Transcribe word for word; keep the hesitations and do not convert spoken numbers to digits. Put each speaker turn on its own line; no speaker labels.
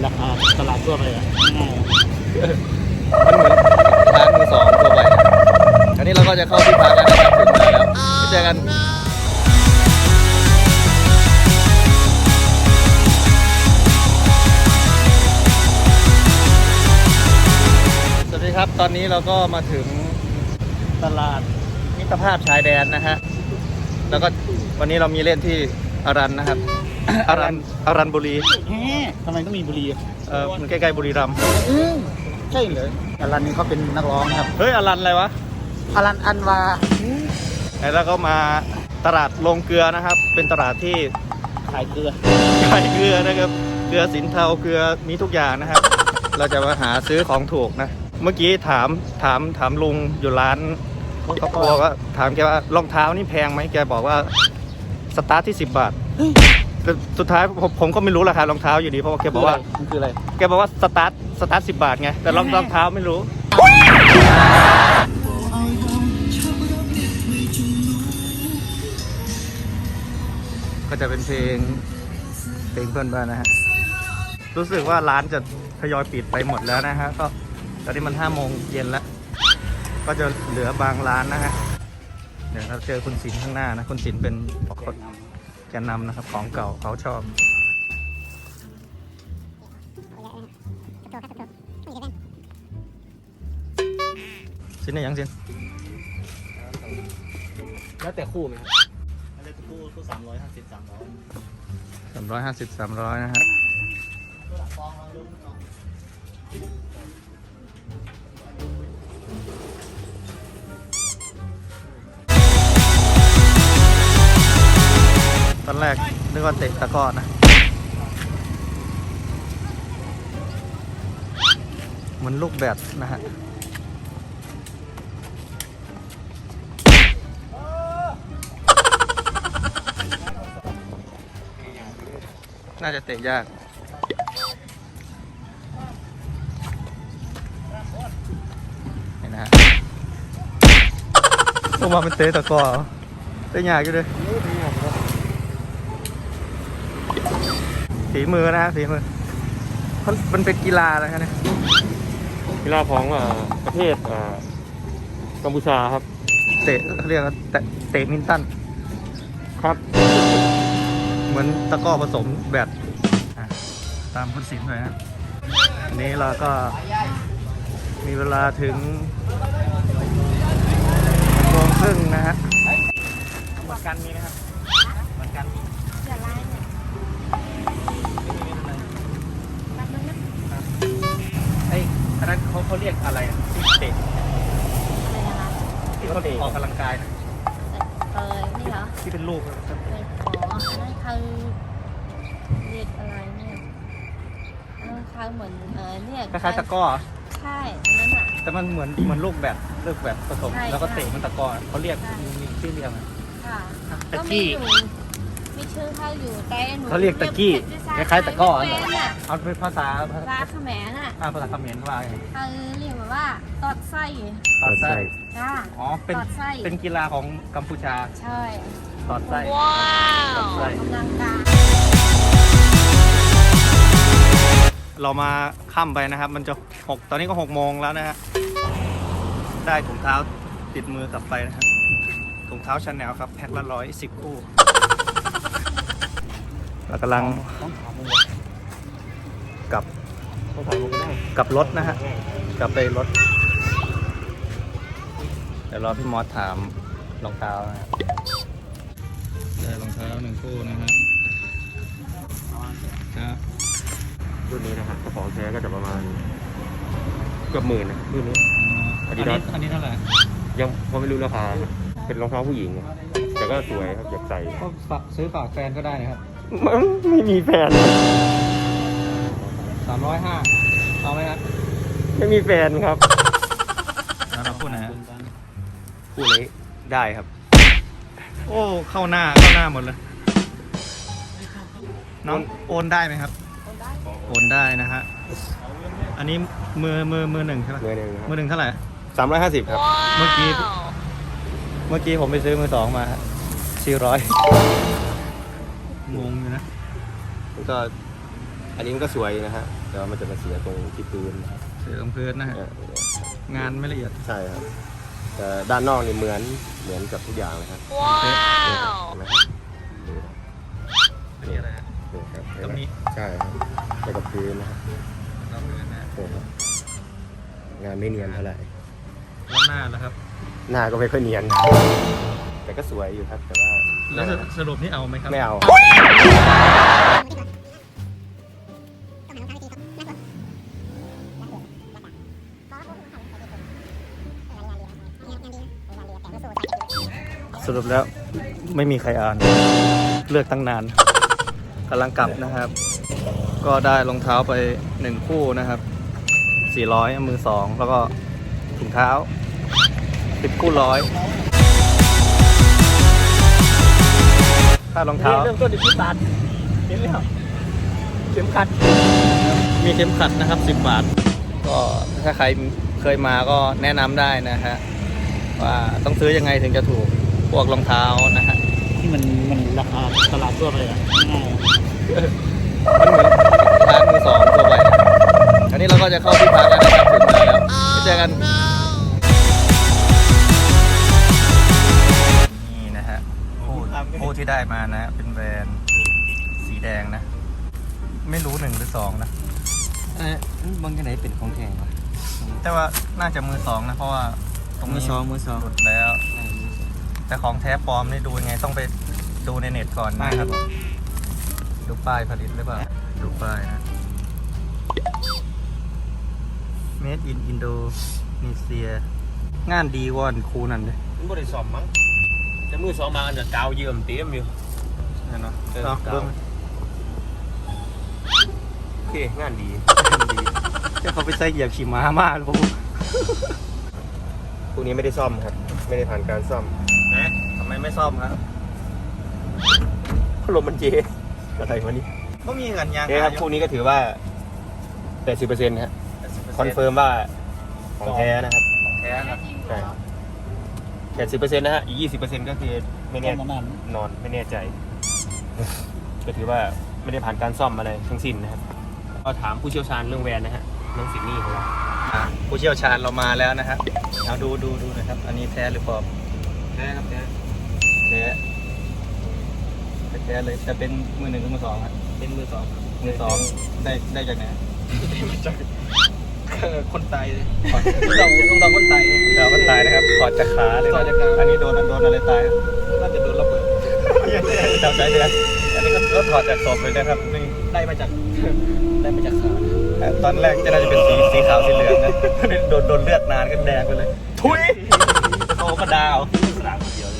ราคาตลาดทั่วไปอ่ะง่าย
มันเหมือนร้านมือสองทั่วไปอันนี้เราก็จะเข้าที่พักแล้วนะครับถึงมาแล้วไปเจอกันสวัสดีครับตอนนี้เราก็มาถึงตลาดมิตรภาพชายแดนนะฮะแล้วก็วันนี้เรามีเล่นที่อารันนะครับ อารันอารันบุรี
แฮะทำไมต้องมีบุรีอ่ะ
เออมันใกล้ๆบุรีรัมย์
อืมใช่เลยอลันนี่เขาเป็นนักร้องครับ
เฮ้ยอารันอะไรวะ
อลันอันวา
แล้วก็มาตลาดโรงเกลือนะครับ เป็นตลาดที่
ขายเกลือ
ขายเกลือนะครับเกลือสินเทาเกลือมีทุกอย่างนะครับ เราจะมาหาซื้อของถูกนะเมื่อกี้ถามถามถามลุงอยู่ร้านเขาบอกว่าถามแกว่ารองเท้านี่แพงไหมแกบอกว่าสตาร์ทที่สิบบาทแต่สุดท้ายผมผมก็ไม่รู้ราคารองเท้าอยู่ดีเพราะว่าแกบอกว่า
มันคืออะไร
แกบอกว่าสตาร์ทสตาร์ทสิบบาทไงแต่รองรองเท้าไม่รู้ก็จะเป็นเพลงเพลงเพื่อนบ้านนะฮะรู้สึกว่าร้านจะทยอยปิดไปหมดแล้วนะฮะก็ตอนนี้มันห้าโมงเย็นแล้วก็จะเหลือบางร้านนะฮะเดี๋ยวเราเจอคุณศิลป์ข้างหน้านะคุณศิลป์เป็นคนแกนนำนะครับของเก่าเขาชอบสินไหนยังสิน
แล้วแต่คู่ไหมครับแล้วแต่คู่คู่สามร้อยห้าสิบสามร้อย
สามร้อยห้าสิบสามร้อยนะฮะตอนแรกนึกว่าเตะตะกร้อนะเหมือนลูกแบดนะฮะน่าจะเตะยากเห็นนะฮะพวกมาเป็นเตะตะกร้อเตะยากอยู่เลยฝีมือนะฮะฝีมือมันเป็นกีฬาอะไรครับเนี่ย
กีฬาของประเทศกัมพูชาครับ
เตะเขาเรียกว่าเตะเตะมินตัน
ครับ
เหมือนตะกร้อผสมแบดอ่ะตามคุณศิลป์หน่อยนะอันนี้เราก็มีเวลาถึงโมงครึ่งนะฮะเหมือนกันมีไหมครับเหมือนกันไอ้อันนั้นเขาเขาเรียกอะไรอ่ะที่เตะที่เขาเตะออกกำลังกายนะ
เออนี่เหรอ
ที่เป็นลูกนะครับ
เอออ๋ออันนั้นคือเรียกอะไรเนี่ยอันนั้นคือเหมือนเออเนี่ย
คล้ายๆตะกร้อ
ใช่อันนั้นอ่ะ
แต่มันเหมือนเหมือนลูกแบดลูกแบดผสม
ใช่
แล้วก็
ใช่
เตะมันตะกร้อเขาเรียกมีมีชื่อเรียกไหม
ค่ะ
ตะ
ก็
กี้
มีอยู่มีชื่อเขาอยู่แต่หนู
เขาเรียกตะกี้คล้ายๆตะกร้อ
ไม่เป็นอ่ะ
เอาเป็นภาษาภา
ร้านเขมรอ่ะ
อ่าภาษาเขมรว่าไง
เขาเรียกแบบว่าตอดไส้
ตอดไส้
จ้า
อ๋อเป็น
ตอดไส้
เป็นกีฬาของกัมพูชา
ใช่
ตอดไส้
ว้า
ตอดไส้
กำลังกาย
เรามาค่ำไปนะครับ มันจะหกตอนนี้ก็หกโมงแล้วนะฮะได้ถุงเท้าติดมือกลับไปนะครับถุงเท้าชาแนลครับแพ็คละร้อยสิบคู่เรากำลัง
ต้องถามมึง
กลับ
ต้องถามมึงก็ได้
กลับรถนะฮะกลับไปรถเดี๋ยวรอพี่มอสถามรองเท้านะได้รองเท้าหนึ่งคู่นะฮะครับ
รุ่นนี้นะครับกระเป๋าแท้ก็จะประมาณเกือบหมื่นนะรุ่นนี้
อันนี้อันนี้เท่าไหร่
ยังพอไม่รู้ราคาครับเป็นรองเท้าผู้หญิงอะแต่ก็สวยครับอยากใส่
ก็ฝากซื้อฝากแฟนก็ได้นะครับ
ไม่มีแฟน
สามร้อยห้าเอาไหมครับ
ไม่มีแฟนครับ
แล้วเราพูดนะฮะ
พูดเลยได้ครับ
โอ้เข้าหน้าเข้าหน้าหมดเลยน้องโอนได้ไหมครับโอนได้นะฮะอันนี้มือมือมือหนึ่งใช่ไหม
มือหนึ่งครับ
มือหนึ่งเท่าไหร่
สามร้อยห้าสิบครับ
เมื่อกี้เมื่อกี้ผมไปซื้อมือสองมาสี่ร้อยงงอยู่นะก็
อันนี้มันก็สวยนะฮะแต่ว่ามันจะมาเสียตรงที่พื้นนะครับ
เสือพื้นนะฮะ
เออง
านไม่ละเอียด
ใช่ครับแต่ด้านนอกนี่เหมือนเหมือนกับทุกอย่างเลยครับ
ว้าว
เห็นไหมครับ
อันนี้อะไรฮะ
นี่ครับ
ตรงนี้
ใช่ครับแล้วกับพื้นนะครับ
เราพื้นนะ
นี่ครับงานไม่เนียนเท่าไหร่
แล้วหน้าแล้วครับ
หน้าก็ไม่ค่อยเนียน แต่ก็สวยอยู่ครับ แต่ว่า
แล้วสรุปนี่เอาไหมครับ
ไม่เอา
สรุปแล้วไม่มีใครอ่าน เลือกตั้งนานกำลังกลับนะครับ ก็ได้รองเท้าไปหนึ่งคู่นะครับสี่ร้อยมือสองแล้วก็ถุงเท้าสิบคู่ร้อยค่ารองเท้า
เริ่มต้นที่สิบบาทเห็นแล้วเข็มขัด
มีเข็มขัดนะครับสิบบาท ก็ถ้าใครเคยมาก็แนะนำได้นะฮะว่าต้องซื้อยังไงถึงจะถูกพวกรองเท้านะฮะ
ที่มันมันราคาตลาดทั่วไปอ่ะง่าย
มันเหมือนร้านมือสองทั่วไปนะอันนี้เราก็จะเข้าที่พักแล้วนะครับถึงมาแล้วไปเจอกันนี่นะฮะคู่คู่ที่ได้มานะ เป็นแบรนด์สีแดงนะ ไม่รู้หนึ่งหรือสองนะ
เออบางที่ไหนเป็นของแข็งวะ
แต่ว่าน่าจะมือสองนะเพราะว่าตรง
มือ
นี้
สองมือสอง
หลุดแล้ว แต่ของแท้ปลอมนี่ดูยังไงต้องไปดูในเน็ตก่อนนะครับ ดูป้ายผลิตหรือเปล่า ดูป้ายนะ Made in Indonesia งานดีวอนคูนั่นเลย
มันบริสอมมั้งแต่มือสองมาอันจะกาวเยื่อมเตี้ยมอยู่
นั่นเนาะ
เออ
เอา
กาว
เบิ่ง
โอเคงานดี
ดีจะเขาไปใส่เหยียบขี่ม้ามากเลยพวก
พวกนี้ไม่ได้ซ่อมครับ ไม่ได้ผ่านการซ่อม
นะทำไมไม่ซ่อมครับ
พัดลมมันเจอะไรวะนี่
ก็มีเงินยาง
นี่ครับพวกนี้ก็ถือว่า แปดสิบเปอร์เซ็นต์ฮะ คอนเฟิร์มว่าของแท้นะครับ
ของแท้ครับ
ใช่แปดสิบเปอร์เซ็นต์นะฮะ อีกยี่สิบเปอร์เซ็นต์ก็คือไม่
ๆ
แน่
ประมาณ
นอนไม่แน่ใจ ก็ถือว่าไม่ได้ผ่านการซ่อมอะไรทั้งสิ้นนะครับ ก็ถามผู้เชี่ยวชาญเรื่องแวนนะฮะน้องสิงห์นี่ของเรา
อ่ะผู้เชี่ยวชาญเรามาแล้วนะครับเอาดูดูดูนะครับ อันนี้แท้หรือปลอม
แท้ครับแท้
แท้แท้เลยจะเป็นมือหนึ่งหรือมือสองครับ
เป็นมือสองครับ
มือสองได้ได้จากไหน
คนตายเลย
ต้องต้องต้องคนตายเดี๋ยวคนตายนะครับถอดจากขาเลย
ถอดจากขา
อันนี้โดนโดนอะไรตาย
น่าจะโดนระเบิด
จำใจเดือนอันนี้ก็ก็ถอดจากศพเลยนะครับนี่
ได้มาจากได้มาจากขา
ตอนแรกจะน่าจะเป็นสีสีขาวสีเหลืองนะโดนโดนเลือดนานก็แดงไปเลย ทุยโตก็ดาว
สลากเดียว